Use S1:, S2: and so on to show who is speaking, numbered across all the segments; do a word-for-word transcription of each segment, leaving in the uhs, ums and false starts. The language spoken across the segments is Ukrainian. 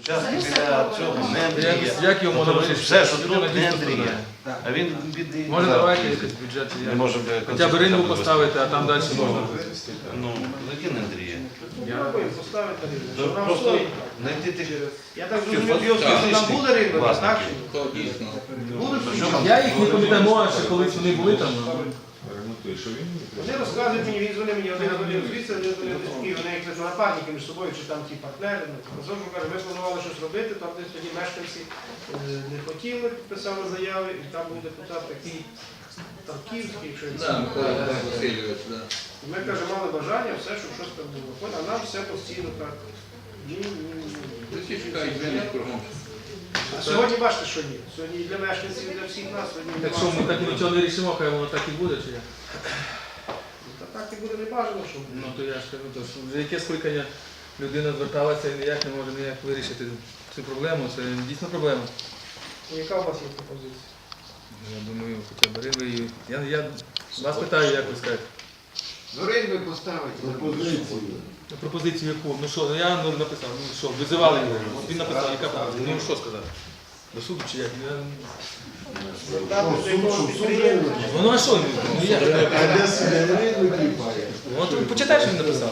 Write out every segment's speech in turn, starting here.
S1: участки біля цього, не Андрія.
S2: Як його можна вирішити?
S1: Все, що тут не Андрія. А він бідний.
S2: Може давайте якийсь бюджет.
S1: Не може
S2: Хоча б ринку поставити, а там далі можна.
S1: Ну, які не Андрія?
S3: Поставити
S1: Ну,
S3: ринок.
S1: просто знайти тих.
S3: Я так розумію, що там буде ринок, так? Будуть
S2: Я їх не пам'ятаю, може, ще колись вони були там.
S3: Вони розказують мені, він дзвонив мені, один дзвонив звідси, один дзвонив з Києва, вони як напарники між собою, чи там ті партнери. Разом каже, ми планували щось робити, там десь тоді мешканці не хотіли, підписали заяви, і там був депутат такий Тарківський, якщо він сам. Ми, каже, мали бажання, все, щоб щось там було. А нам все постійно так. Ні, ні, ні. А сьогодні бачите, що ні. Сьогодні і для мешканців, і для всіх нас, сьогодні
S2: Так що ми так нічого не рішимо, хай воно так і буде, чи як?
S3: Та так і буде не бажано, щоб.
S2: Ну то я ж кажу, то що вже яке скликання людина зверталася і ніяк не може ніяк вирішити цю проблему, це дійсно проблема.
S3: Яка у вас є пропозиція?
S2: Я думаю, хоча б ринви. Я, я вас питаю, як ви скажете.
S4: Ну, ринви поставити.
S5: Пропозицію.
S2: Пропозицію яку? Ну що, ну я ну, написав, ну що, визивали його. От він написав, яка пропозиція? Ну що сказати? До суду чи як? Я...
S3: Звертатися до якогось підприємства.
S2: Ну, ну а що? Ну, як?
S5: А де себе ринок кліпає?
S2: Ну, от почитай, що він написав.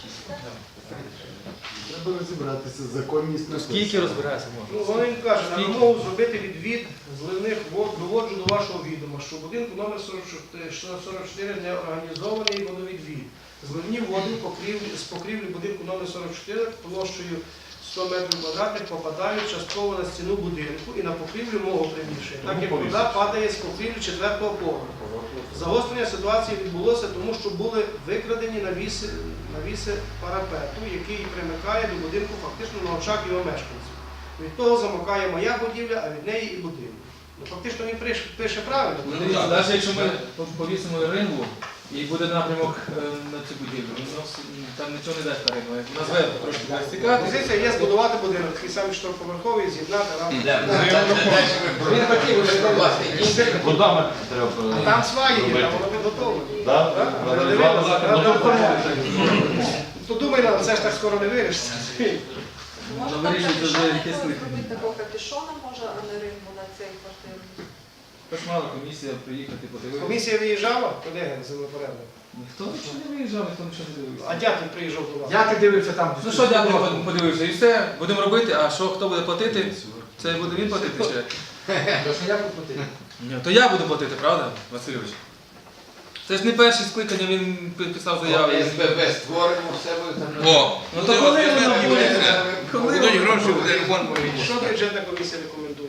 S5: Треба розібратися, законність на
S2: Скільки розбирається
S3: Ну,
S2: можна?
S3: вони кажуть, на вимогу зробити відвід зливних вод, доводжу до вашого відома, що в будинку номер сорок чотири не організований водовідвід. Зливні води покрівлі, з покрівлі будинку номер сорок чотири площею сто метрів квадратних попадають частково на стіну будинку і на покрівлю мого приміщення, так як вода падає з покрівлі четвертого поверху. Загострення ситуації відбулося, тому що були викрадені навіси, навіси парапету, який примикає до будинку фактично на очах його мешканців. Від того замокає моя будівля, а від неї і будинок. Ну, фактично він пише, пише правильно.
S2: Дивіться, навіть якщо ми повісимо рингу і буде напрямок е, на цю будівлю, ну, там нічого не дасть на рингу. Назве трошки буде стікати.
S3: Позиція є збудувати будинок, такий самий чотириповерховий, з'єднати разом.
S4: Він хотів уже власний.
S1: Водами треба.
S3: А там сваї є, там воно підготовлено.
S1: Так?
S3: То думай, нам це ж так скоро не вирішиться.
S2: Воно
S6: Може там
S2: вирішується вже
S6: капюшон
S2: якесь лихо.
S6: зробити такого капюшона, може, а не ринку на цей квартиру.
S2: Тож мала комісія приїхати, подивитися.
S3: Комісія виїжджала, куди землепорядник?
S2: Ніхто нічого не виїжджав, ніхто нічого не дивився.
S3: А дятел приїжджав до вас.
S4: Я ти дивився там.
S2: Ну що, дякую, подивився. І все, будемо робити, а що, хто буде платити? Це буде він платити чи? як?
S4: То що я платив?
S2: Ні, то я буду платити, правда, Васильович? Це ж не перше скликання, він писав заяви.
S4: СББ створимо, все буде там.
S7: О,
S2: Ну то коли воно буде? Коли
S7: будуть
S2: воно
S7: гроші,
S2: буде?
S7: буде ремонт повинен.
S3: Що бюджетна комісія рекомендує?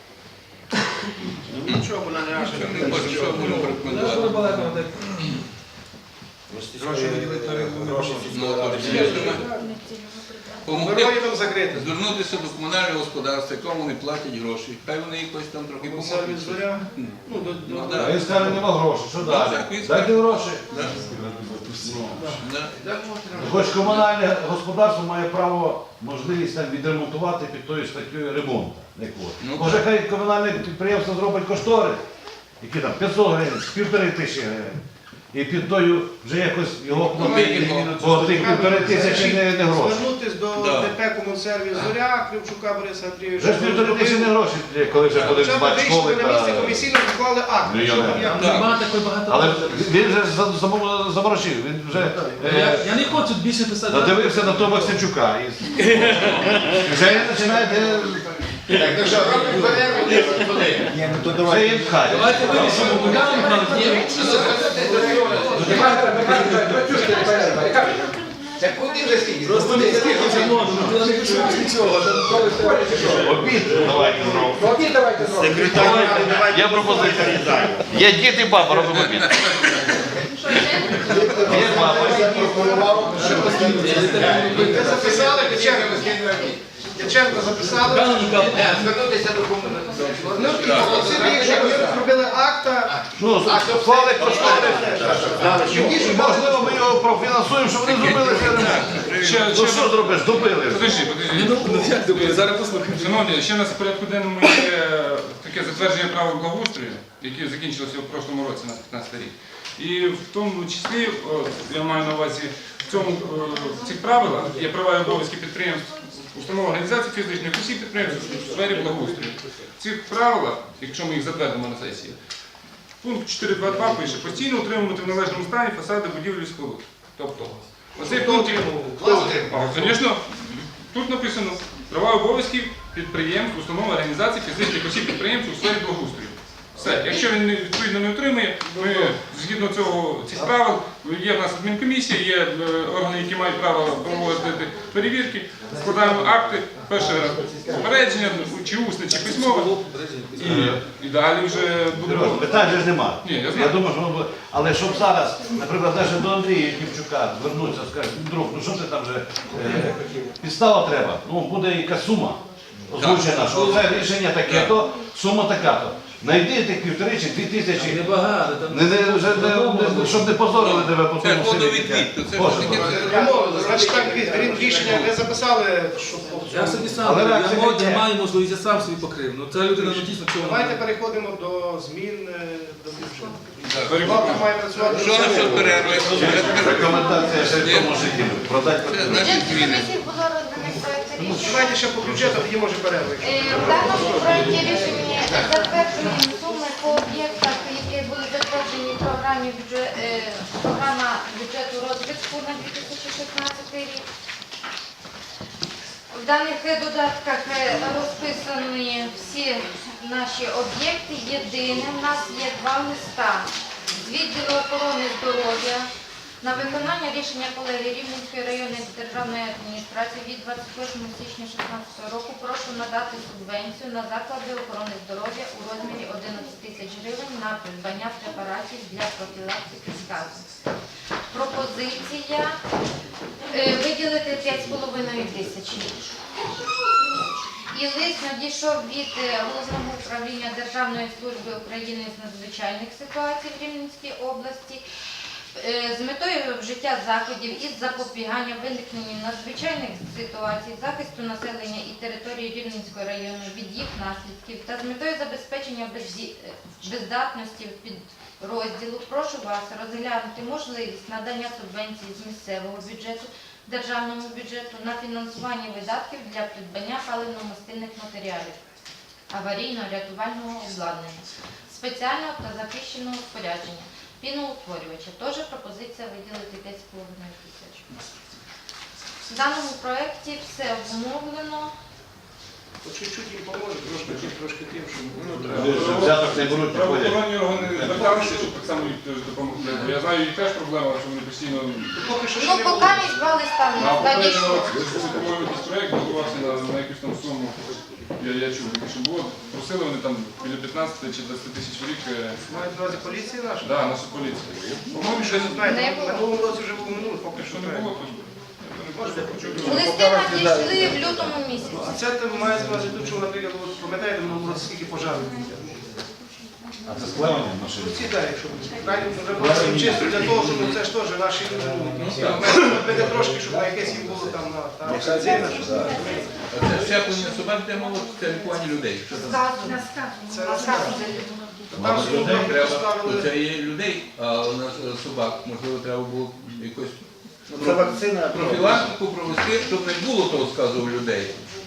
S3: Нічого, вона не аже.
S7: Ми можемо, що можемо
S2: Ну,
S7: рекомендувати.
S2: дуже балакано так.
S1: Гроші виділити на ринку не гроші.
S7: Ну, от, я ж думаю, помогти
S3: Дороги там закриті.
S7: звернутися до комунального господарства, якому вони платять гроші. Хай вони якось там трохи
S3: Комісарі
S7: поможуть.
S3: зоря. Ну, до,
S7: Ну,
S3: до,
S7: да.
S1: А він скаже, нема грошей. Що далі?
S7: так, він скаже.
S1: Дайте гроші.
S7: Да. Да.
S1: Хоч комунальне господарство має право, можливість там відремонтувати під тою статтєю ремонту.
S7: Ну,
S1: Може, хай комунальне підприємство зробить кошторис, які там п'ятсот гривень, півтори тисячі гривень. І під тою вже якось його платити, бо тих півтори тисячі не, не гроші.
S3: Звернутися до
S7: Да.
S3: ДП «Комунсервіс Зоря», Кривчука Бориса Андрійовича.
S1: Вже ж півтори тисячі не гроші, коли вже буде
S3: Хоча б
S1: бати
S3: вийшли
S1: школи.
S3: на місце,
S1: та-
S3: комісійно відклали акт.
S1: Ну, я
S3: Що
S1: не-
S3: там як?
S7: Так.
S2: Нема такої багато.
S1: Але він вже за- замов- заморочив, він вже
S2: Я,
S1: е,
S2: я не хочу більше писати.
S1: надивився на того Максимчука. І вже починаєте,
S4: Так, ну що, робимо перерву, ні, куди?
S5: Ні, ну то
S1: вже
S5: давай.
S1: їм хай.
S2: Давайте вирішимо, бо там мали.
S4: Це куди вже скільки?
S2: Просто не скільки вже можна, ну не хочу нічого.
S1: Обід давайте зробимо.
S4: Ну, окей, давайте зробимо.
S1: Є пропозиція. Є дід і баба, робимо обід. Є баба.
S3: Ви записали, Дяченко, Дяченко записали.
S4: Звернутися до комунального.
S3: Ну, і попросили їх, щоб вони зробили акта.
S1: Ну, склали кошторис. Можливо, ми його профінансуємо, щоб вони зробили це ремонт. Ну що зробиш? Добили.
S8: Подожди, подожди.
S2: Зараз послухаємо.
S8: Шановні, ще у нас в порядку денному є таке затвердження правил благоустрою, яке закінчилося в прошлому році, на п'ятнадцятий рік. І в тому числі, о, я маю на увазі, в цьому, е, в цих правилах є права і обов'язки підприємств установ організацій фізичних осіб підприємців у сфері благоустрою. В цих правилах, якщо ми їх затвердимо на сесії, пункт чотири два два пише, постійно утримувати в належному стані фасади будівлі і споруд. Тобто, оцей пункт, а, звісно, тут написано права і обов'язки підприємств, установ, організацій, фізичних осіб підприємців у сфері благоустрою. Все. Якщо він не- відповідно не отримує, ми згідно цього цих правил, є в нас адмінкомісія, є е, органи, які мають право проводити перевірки, складаємо акти, перший раз попередження, чи усне, чи письмове, і, і далі вже
S1: Сережа,
S8: будемо.
S1: питань же ж нема.
S8: Ні, я
S1: Я
S8: знаю.
S1: думаю, що воно буде. Але щоб зараз, наприклад, навіть до Андрія Ківчука звернутися, скажуть, друг, ну що ти там вже е, підстава треба, ну буде якась сума озвучена, що це рішення таке, то сума така-то. Найди тих півтори чи дві тисячі.
S2: Небагато, там
S1: Не, не, вже не, не- щоб не позорили тебе по
S7: Це
S1: тому селі.
S7: водовідвід, то це ж
S1: Боже,
S7: таке.
S1: Боже.
S3: Домовились. Значить так, крім рішення, ви записали, що
S2: я собі сам,
S1: Але
S2: я,
S1: реакція
S2: мож- я
S1: є.
S2: маю можливість, я сам собі покрив. Ну це людина ну, дійсно цього.
S3: Давайте переходимо до змін е, до бюджету.
S8: Перебуваю.
S3: Влада має працювати.
S7: Що на що перерви?
S1: Рекомендація ще в тому житті. Продати.
S7: Це значить
S9: Бюджетній
S7: зміни.
S9: комісії було розданий проект рішення.
S3: Давайте ще по бюджету, тоді може перерви.
S9: Е, В даному проекті рішення затверджуємо суми по об'єктах, які були затверджені в програмі бюджет, е, програма бюджету розвитку на дві тисячі шістнадцятий рік. В даних е, додатках е, розписані всі наші об'єкти. Єдине, в нас є два листа з відділу охорони здоров'я на виконання рішення колегії Рівненської районної державної адміністрації від двадцять восьмого січня дві тисячі шістнадцятого року прошу надати субвенцію на заклади охорони здоров'я у розмірі одинадцять тисяч гривень на придбання препаратів для профілактики сказу. Пропозиція е, виділити п'ять з половиною тисяч. І лист надійшов від е, Головного управління Державної служби України з надзвичайних ситуацій в Рівненській області е, з метою вжиття заходів із запобігання виникненню надзвичайних ситуацій, захисту населення і території Рівненського району від їх наслідків та з метою забезпечення безді- е, бездатності підрозділу прошу вас розглянути можливість надання субвенції з місцевого бюджету державному бюджету на фінансування видатків для придбання паливно-мастильних матеріалів, аварійно-рятувального обладнання, спеціального та захищеного спорядження, піноутворювача. Теж пропозиція виділити п'ять з половиною тисяч. В даному проєкті все обумовлено.
S3: По чуть-чуть їм поможе, трошки тим, трошки тим, щоб...
S1: Взяток не беруть, не ходять.
S8: Правоохоронні органи зверталися, щоб так само їх теж допомогли. Бо я знаю, їх теж проблема, що вони постійно.
S3: Поки що ще
S9: Ну,
S3: не
S9: поки
S3: було.
S9: між два листа
S8: На
S9: в нас надійшло.
S8: попередньому по-моєму, якийсь проєкт готувався на, на якусь там суму. Я, я чув, таке, що було. Просили вони там біля п'ятнадцяти чи двадцяти тисяч в рік. е,
S3: Мають на увазі поліції наша?
S8: Да, нашу поліцію.
S3: По-моєму, щось знаєте,
S9: Не
S3: в
S9: було.
S3: минулому році вже було минуло, поки що
S8: Якщо не було, то
S3: Можете почути.
S9: Листи надійшли в лютому місяці.
S3: А це ти маєш на увазі тут, що, наприклад, от пам'ятаєте, в минулому році скільки пожарів було?
S1: А це склеєні машини.
S3: Ці так, якщо крайні вже чисто для того, щоб ну, це ж теж наші люди. Робити трошки, щоб на якесь їм було там на та офіційна, що
S7: Це щеплення собак, де мова, це лікування людей. Що там?
S9: Сказано.
S3: Це
S9: Сказано.
S3: там собі
S7: Треба,
S3: поставили.
S7: це є людей, а у нас е, собак, можливо, треба було якось
S5: Це вакцина.
S7: профілактику провести, щоб не було того сказу у людей.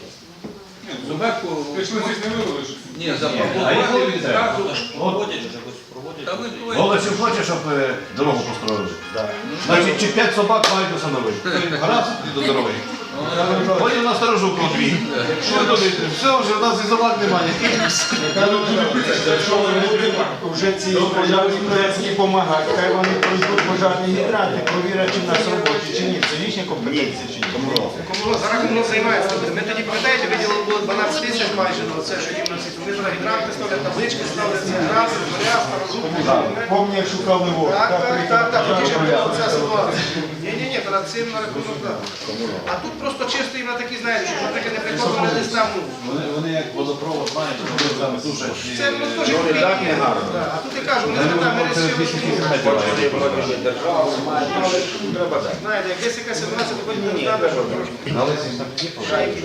S7: Собаку,
S8: прийшли здесь не вивели, що
S7: ні,
S1: А їх
S7: запропонували
S1: робити
S7: відразу.
S1: От,
S7: Та ви
S1: Голочів хоче, щоб е, дорогу построїли. Значить, чи п'ять собак мають установити. Раз і до дороги. Потім на сторожу дві. Що ви думаєте? Все, вже в нас і собак немає.
S5: Якщо вони будуть вже ці пожежні проєктні допомагати, хай вони пройдуть пожежні гідранти, провірять, чи в нас робочі, чи ні. Це їхня компетенція, чи ні?
S3: Кому зараз воно займається. Ми тоді, пам'ятаєте, виділили було дванадцять тисяч майже на це, що їм на ці. Вони ж гідранти ставлять, таблички ставлять, ці гранти, зоря, старожуки.
S5: Помні, як шукали воду.
S3: Так, так, так, так, тоді ж
S5: приїхав
S3: була ця
S5: пожежний
S3: ситуація. Ні-ні-ні, перед цим на рахунок, так. А тут просто чисто їм на такі, знаєте, що, наприклад, не приходили десь там, ну,
S1: Вони, вони як водопровод мають, вони там душать.
S3: це ну, теж не гарно. А тут я кажу, вони там мережі, знаєте, як десь якась ситуація, то потім не треба, що трошки.
S1: Але ці там є
S3: Шайки.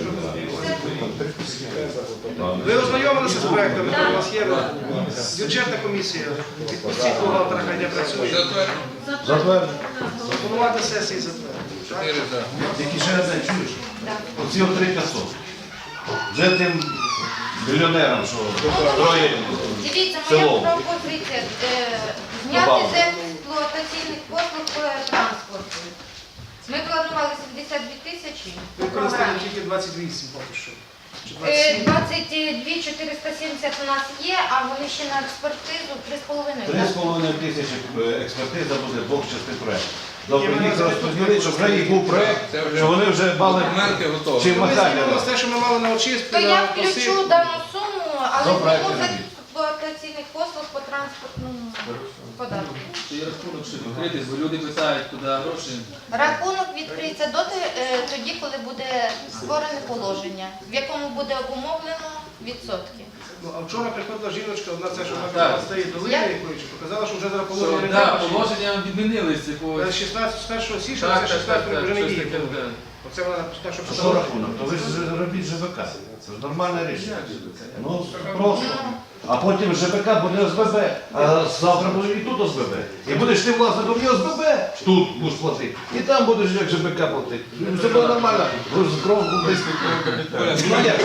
S3: Ви ознайомилися з проектами, у вас є бюджетна комісія, відпустіть бухгалтера, хай не працює.
S1: затверджені.
S3: Пропонувати сесії затвердити.
S7: Чотири за.
S1: Тільки ще одне чуєш?
S9: Так.
S1: оці от три п'ятсот. Вже тим мільйонерам, що троє
S9: Дивіться, моя
S1: село.
S9: пропозиція е, зняти
S1: Добавити.
S9: з експлуатаційних послуг по транспорту. Ми планували сімдесят дві тисячі по
S3: Використали
S9: програмі.
S3: тільки двадцять вісім поки що. Чи
S9: Е,
S3: двадцять сім?
S9: двадцять дві чотириста сімдесят у нас є, а вони ще на експертизу три з половиною.
S1: Три з половиною тисячі е, експертиза буде двох частин проєкту. Тобто їх розподілити, щоб вже їх був проєкт, що вони вже мали
S7: Документи готові.
S1: чим
S3: Ми
S1: махати.
S3: знімемо те, що ми мали на очистці.
S9: То
S3: на
S9: я
S3: посилку.
S9: включу дану суму, але
S1: До проекту
S9: зніму з
S1: робіть.
S9: експлуатаційних послуг по транспортному податку.
S2: І рахунок ще відкритий, бо люди питають, куди гроші.
S9: Рахунок відкриється доти, е, тоді, коли буде створене положення, в якому буде обумовлено відсотки.
S3: Ну, а вчора приходила жіночка, одна це, що
S2: Так.
S3: вона стає долини
S9: Я-
S3: якоїсь, показала, що вже зараз
S2: Що,
S3: положення не
S2: да,
S3: треба.
S2: положення відмінилися. По...
S3: З шістнадцятого, з першого січня,
S2: Так,
S3: це
S2: так, так,
S3: шістнадцятого
S2: так,
S3: вже не
S2: щось
S3: діє.
S2: таке, да.
S3: Оце вона те, що
S1: А що
S3: писала.
S1: рахунок? То ви ж робіть ЖБК. Це ж нормальне рішення. Ну, просто. А потім ЖБК буде ОСББ, а завтра буде і тут ОСББ. І будеш ти власником і ОСББ, тут будеш платити. І там будеш як ЖБК платити. Ну, це буде нормально. Ви ж кров близько. Ну як?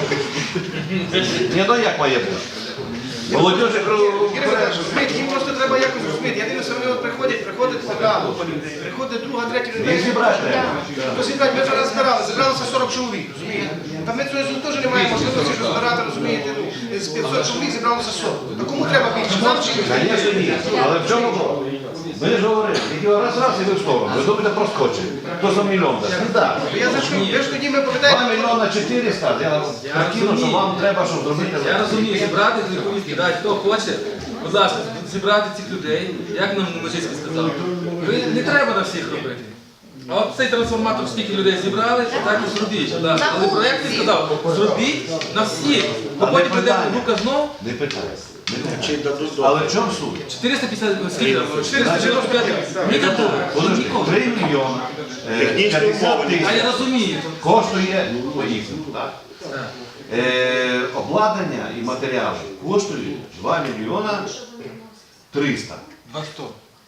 S1: Ні, ну як має бути? Молодежі кров.
S3: Юрій Миколаївич, розумієте, їм просто треба якось розуміти. Я дивлюся, вони от приходять, приходить одна група людей, приходить друга, третя людей.
S1: Їх зібрати треба.
S3: То зібрати, ми зараз збирали, зібралося сорок чоловік, розумієте? Та ми цього теж не маємо можливості, що збирати, розумієте, ну, з п'ятсот чоловік зібралося сорок. А кому треба більше? Нам чи їм?
S1: Звісно, ні. Але в чому було? Ми ж говорили, тільки раз раз і ви в сторону. Ви думаєте, проскочить. Хто за мільйон дасть? Не так.
S3: Я за що? Ви ж тоді ми
S1: Два
S3: пам'ятаєте,
S1: мільйона чотириста, я прикину, що вам треба, щоб зробити.
S2: Я розумію, зібрати з повістки, дати, хто хоче, будь ласка, зібрати цих людей, як нам Межицький сказав. Ви не треба на всіх робити. А от цей трансформатор, скільки людей зібрали, так і зробіть. будь ласка. Але проєкт він сказав, зробіть на всіх. Бо
S1: А
S2: потім
S1: не
S2: прийде
S1: питання.
S2: рука знов,
S1: Не питайте. Не питайте. Але в чому суть?
S2: чотириста п'ятдесят, скільки там, чотириста дев'яносто п'ять, не готово.
S1: Подожди,
S2: Нікого.
S1: три мільйони е, п'ятдесят
S2: А я
S1: тисяч
S2: розумію.
S1: коштує поїхати. так?
S2: Так.
S1: Е, Обладнання і матеріали коштують два мільйона триста.
S2: Два сто.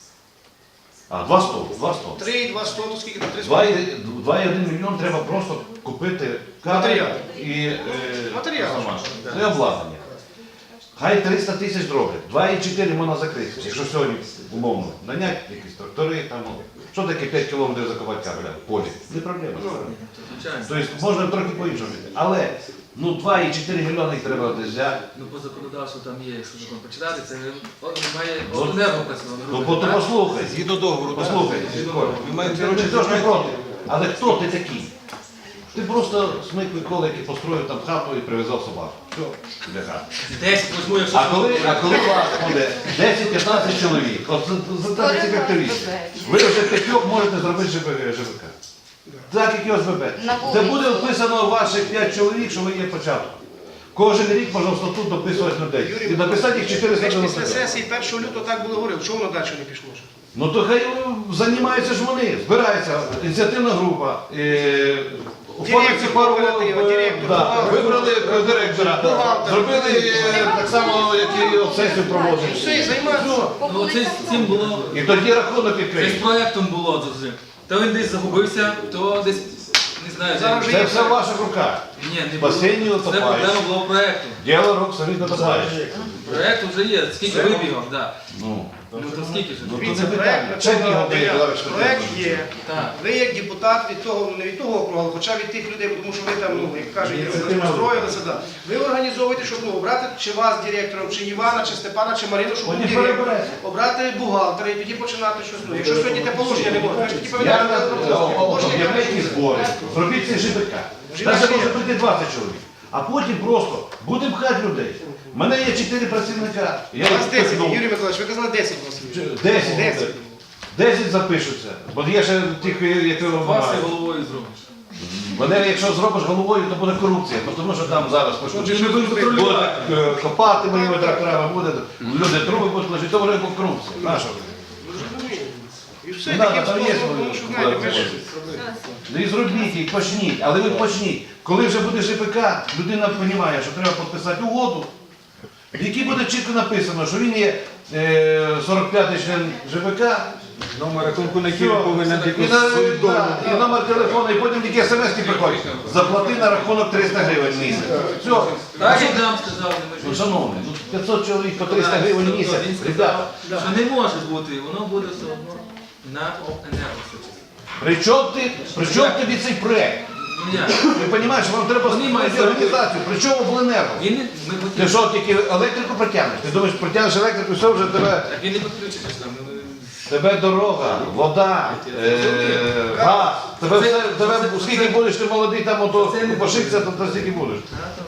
S1: А, два сто, два сто.
S3: три, два, сто, то скільки там? три
S1: Два і- два і один мільйон треба просто купити кадри
S3: Матеріал.
S1: і е,
S3: Матеріал.
S1: сама. Це обладнання. Хай триста тисяч зроблять. два і чотири можна закрити. Якщо сьогодні умовно наняти якісь трактори, там, ну, що таке п'ять кілометрів закопати кабеля в полі? Не проблема.
S2: Звичайно.
S1: Тобто можна трохи по-іншому робити. Але ну, два і чотири мільйони їх треба десь взяти.
S2: Ну, по законодавству там є, якщо закон почитати, це о, має обленерго працювати.
S1: Ну, бо ти послухай.
S7: Згідно договору,
S1: Послухай, Коля, ти не теж не проти. Але хто ти такий? Ти просто смикли колики, построїв там хату і прив'язав собаку. Все, для хати.
S2: Десять возьму, якщо
S1: А коли, а коли у вас буде десять-п'ятнадцять чоловік, от задайте як активісти, ви вже п'ятьох можете зробити ЖБК. Так, як і ОСББ. Де буде вписано ваших п'ять чоловік, що ви є початок. Кожен рік можна в статут дописувати людей. І написати їх чотириста
S3: Ви ж після
S1: дев'яносто п'ять.
S3: сесії першого лютого так було говорили, чому воно далі не пішло? ще?
S1: Ну то хай ну, займаються ж вони, збирається ініціативна група, е, оформиться
S3: Директор
S1: пару,
S3: кооперативу,
S1: е,
S3: директор,
S1: да,
S3: бухгалтер.
S1: вибрали директора,
S3: Бухгалтер.
S1: зробили е, так само, як і от сесію проводять.
S3: Все, і займаються.
S2: Ну, це з цим було,
S1: І тоді рахунок
S2: це з
S1: відкриють.
S2: проєктом було завжди. То він десь загубився, то десь, не знаю,
S3: Зараз
S2: де.
S1: Це все в ваших руках.
S2: Ні, не було.
S1: Басейні
S2: Це
S1: утопають.
S2: проблема була в проєкту.
S1: Діло рук самі дотопаєш.
S2: Проєкт вже є, скільки вибігав, так.
S1: Ну,
S2: Ну то скільки ж?
S1: ну то
S3: Дивіться,
S1: не
S3: проект
S1: питання.
S3: на
S1: Чек
S3: цього
S1: його
S3: дня.
S1: Володимирович
S3: Проект
S1: Петрович.
S3: є.
S2: Так.
S3: Ви як депутат від того, ну не від того округу, але хоча від тих людей, тому що ви там, ну, як кажуть,
S1: Ініціативна
S3: розстроїлися, да. Ви організовуєте, щоб ну, обрати чи вас директором, чи Івана, чи Степана, чи Марину, щоб був
S1: Вони
S3: директор,
S1: переберете.
S3: обрати бухгалтера і тоді починати щось. Ну, якщо сьогодні те положення не можна, ви ж тоді
S1: Я
S3: пам'ятаєте,
S1: об'являйте збори, зробіть ці ЖБК. Навіть може прийти двадцять чоловік. А потім просто будемо пхати людей. У мене є чотири працівника. Я
S3: У вас
S1: їх
S3: десять,
S1: впихнув.
S3: Юрій Миколаївич, ви казали десять у вас.
S1: Десять.
S3: Десять.
S1: буде. Десять запишуться. Бо є ще тих, які
S2: Вас
S1: вимагають.
S2: і головою зробиш.
S1: Вони, якщо зробиш головою, то буде корупція. Бо Тому що там зараз
S2: Отже, ми будемо
S1: будуть
S2: контролювати.
S1: е, копати моїми тракторами, буде, люди труби будуть лежати, то буде корупція. Наша.
S3: І все,
S1: Ну,
S3: таким
S1: да, там є
S3: способом, тому що знаєте, ви ж...
S1: Ну і зробіть їх, почніть, але ви почніть. Коли вже буде ЖПК, людина розуміє, що треба підписати угоду, в якій буде чітко написано, що він є е, сорок п'ятий член ЖПК,
S5: Номер рахунку, на який
S1: Все.
S5: він повинен
S1: І,
S5: якусь
S1: на-
S5: свою долю.
S1: да, і номер телефону, і потім тільки смс-ки приходять. Заплати на рахунок триста гривень в місяць. Все.
S2: Так, як нам сказали, ми
S1: Ну,
S2: ж
S1: шановні, ну п'ятсот чоловік по триста гривень в місяць.
S2: Він
S1: Ребята,
S2: сказав, що не може бути, воно буде все одно на енергосочі.
S1: при чому ти, при чому тобі цей проект?
S2: Ну як?
S1: Ти розумієш, вам треба
S2: Вони мають
S1: створити організацію. При чому обленерго?
S2: Він не, ми
S1: Ти
S2: хотіли,
S1: що, тільки електрику протягнеш? Ти думаєш, протягнеш електрику, все вже тебе,
S2: так він не підключиться ж там. ну,
S1: тебе дорога, вода, е, газ, тебе все, тебе, скільки будеш ти молодий, там ото пошикся, то то стільки будеш.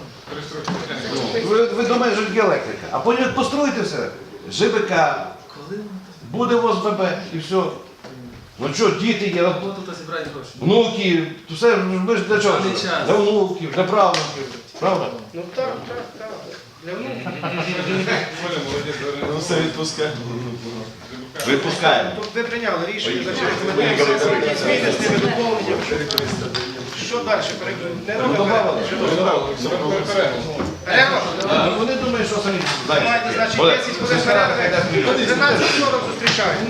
S1: Ви, ви думаєте, що тільки електрика. А потім як построїте все, ЖБК,
S2: Коли воно
S1: буде в ОСББ і все. Ну що, діти є, от
S2: було тут зібрати гроші?
S1: внуки, то все, ми ж для чого?
S2: Даний час.
S1: Для внуків, для правнуків. Правда?
S3: Ну так, так, так. Для внуків.
S8: Оля, молодець,
S5: Ну,
S8: Оля.
S5: все відпускає.
S1: Випускаємо.
S3: Тобто ви прийняли рішення, значить рекомендуємо сесії зміни з тими доповненнями. Що далі? Не
S1: Ну,
S3: робимо.
S1: добавили.
S3: Перерва?
S1: Ну, вони думають, що самі знають.
S3: Маєте, значить,
S1: Олег,
S3: десять хвилин
S1: сільська рада
S3: перерви.
S1: хай дасть мільйон.
S3: дванадцять сорок зустрічаємо.